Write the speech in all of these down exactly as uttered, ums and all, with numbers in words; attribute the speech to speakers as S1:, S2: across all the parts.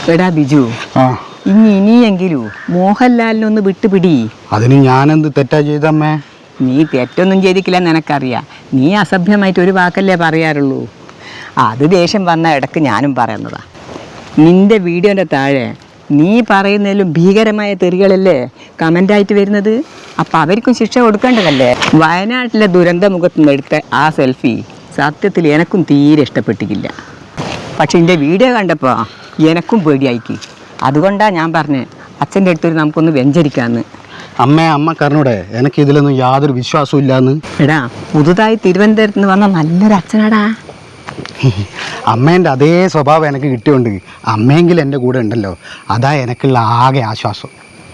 S1: എടാ ബിജു, ഇനി ഇനിയെങ്കിലും മോഹൻലാലിനൊന്ന് വിട്ടുപിടി.
S2: അതിന് ഞാനെന്ത് തെറ്റാ ചെയ്തമ്മേ?
S1: നീ തെറ്റൊന്നും ചെയ്തിട്ടില്ലെന്ന് എനക്കറിയാം. നീ അസഭ്യമായിട്ട് ഒരു വാക്കല്ലേ പറയാറുള്ളൂ. അത് ദേഷ്യം വന്ന ഇടക്ക് ഞാനും പറയുന്നതാ. നിന്റെ വീഡിയോൻ്റെ താഴെ നീ പറയുന്നതിലും ഭീകരമായ തെറികളല്ലേ കമൻ്റായിട്ട് വരുന്നത്. അപ്പം അവർക്കും ശിക്ഷ കൊടുക്കേണ്ടതല്ലേ? വയനാട്ടിലെ ദുരന്ത മുഖത്ത് നിന്ന് എടുത്ത ആ സെൽഫി സത്യത്തിൽ എനക്കും തീരെ ഇഷ്ടപ്പെട്ടിട്ടില്ല. പക്ഷെ എൻ്റെ വീഡിയോ കണ്ടപ്പോൾ എനക്കും പേടിയായിക്ക്. അതുകൊണ്ടാണ് ഞാൻ പറഞ്ഞത് അച്ഛൻ്റെ അടുത്തൊരു നമുക്കൊന്ന് വെഞ്ചരിക്കാമെന്ന്.
S2: അമ്മേ, അമ്മ കാരണോടെ എനിക്ക് ഇതിലൊന്നും യാതൊരു വിശ്വാസവും ഇല്ലാന്ന്.
S1: എടാ, പുതുതായി തിരുവനന്തപുരത്ത് നിന്ന് വന്ന നല്ലൊരു അച്ഛനാടാ.
S2: അമ്മേൻ്റെ അതേ സ്വഭാവം എനിക്ക് കിട്ടിയോണ്ട് അമ്മയെങ്കിലും എൻ്റെ കൂടെ ഉണ്ടല്ലോ, അതാ എനിക്കുള്ള ആകെ ആശ്വാസം.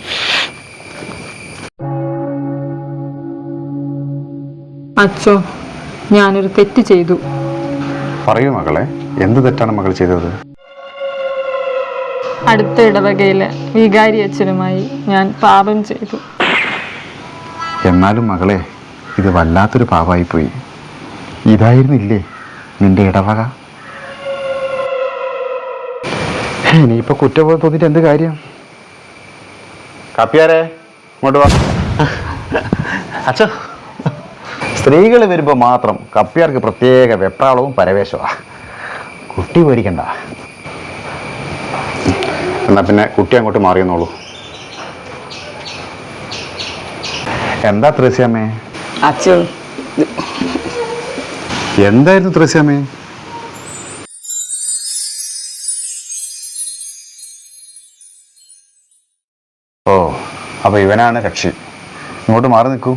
S3: അച്ഛോ, ഞാനൊരു തെറ്റ് ചെയ്തു.
S4: പറയൂ മകളെ, എന്ത് തെറ്റാണ് മകൾ ചെയ്തത്?
S3: അടുത്ത ഇടവകയിലെ വികാരി അച്ഛനുമായി ഞാൻ പാപം ചെയ്തു.
S4: എന്നാലും മകളെ, ഇത് വല്ലാത്തൊരു പാപമായിപ്പോയി. ഇതായിരുന്നില്ലേ നിന്റെ ഇടവക? ഇനിയിപ്പോ കുറ്റബോധം തോന്നിട്ട് എന്ത് കാര്യം? കാപ്പിയാരെ ഇങ്ങോട്ട് വാ. അച്ഛോ, സ്ത്രീകൾ വരുമ്പോൾ മാത്രം കപ്പിയാർക്ക് പ്രത്യേക വെപ്രാളവും പരവേശമാണ്. കുട്ടി പേടിക്കണ്ട. എന്നാ പിന്നെ കുട്ടി അങ്ങോട്ട് മാറിയെന്നോളൂ. എന്താ ത്രേസ്യാമ്മേ?
S1: അച്ഛൻ
S4: എന്തായിരുന്നു ത്രേസ്യാമ്മേ? ഓ, അപ്പൊ ഇവനാണ് കക്ഷി. ഇങ്ങോട്ട് മാറി നിൽക്കൂ.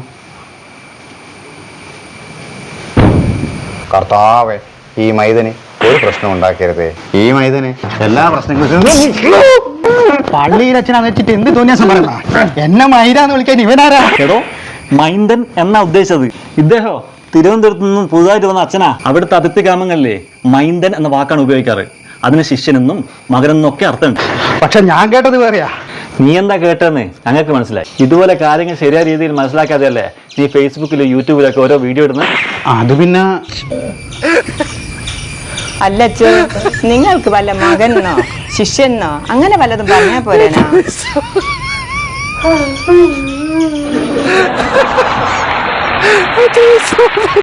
S4: കർത്താവേ, ഈ മൈദന് ഒരു പ്രശ്നം ഉണ്ടാക്കരുതേ. ഈ മൈദന് എല്ലാ പ്രശ്നങ്ങളും
S2: പള്ളിയിലച്ഛനാ വെച്ചിട്ട് എന്ത് തോന്നിയാസം പറയണ? എന്നെ മൈരാന്ന് വിളിക്കാൻ ഇവനാരാ?
S5: എടോ, മൈന്ദൻ എന്നാ ഉദ്ദേശിച്ചത്. ഇദ്ദേഹോ തിരുവനന്തപുരത്ത് നിന്നും പുതുതായിട്ട് വന്ന അച്ഛനാ. അവിടുത്തെ അതിർത്തി ഗ്രാമങ്ങളിലെ മൈന്ദൻ എന്ന വാക്കാണ് ഉപയോഗിക്കാറ്. അതിന് ശിഷ്യനെന്നും മകനെന്നും ഒക്കെ അർത്ഥമുണ്ട്.
S2: പക്ഷെ ഞാൻ കേട്ടത് വേറെയാ.
S5: നീ എന്താ കേട്ടതെന്ന് ഞങ്ങൾക്ക് മനസ്സിലായി. ഇതുപോലെ കാര്യങ്ങൾ ശരിയായ രീതിയിൽ മനസ്സിലാക്കാതെയല്ലേ നീ ഫേസ്ബുക്കിലും യൂട്യൂബിലൊക്കെ ഓരോ വീഡിയോ ഇടുന്നത്.
S2: അത് പിന്നെ
S1: അല്ലച്ചോ, നിങ്ങൾക്ക് വല്ല മകനോ ശിഷ്യനോ അങ്ങനെ വല്ലതും പറഞ്ഞാൽ പോരേനാ?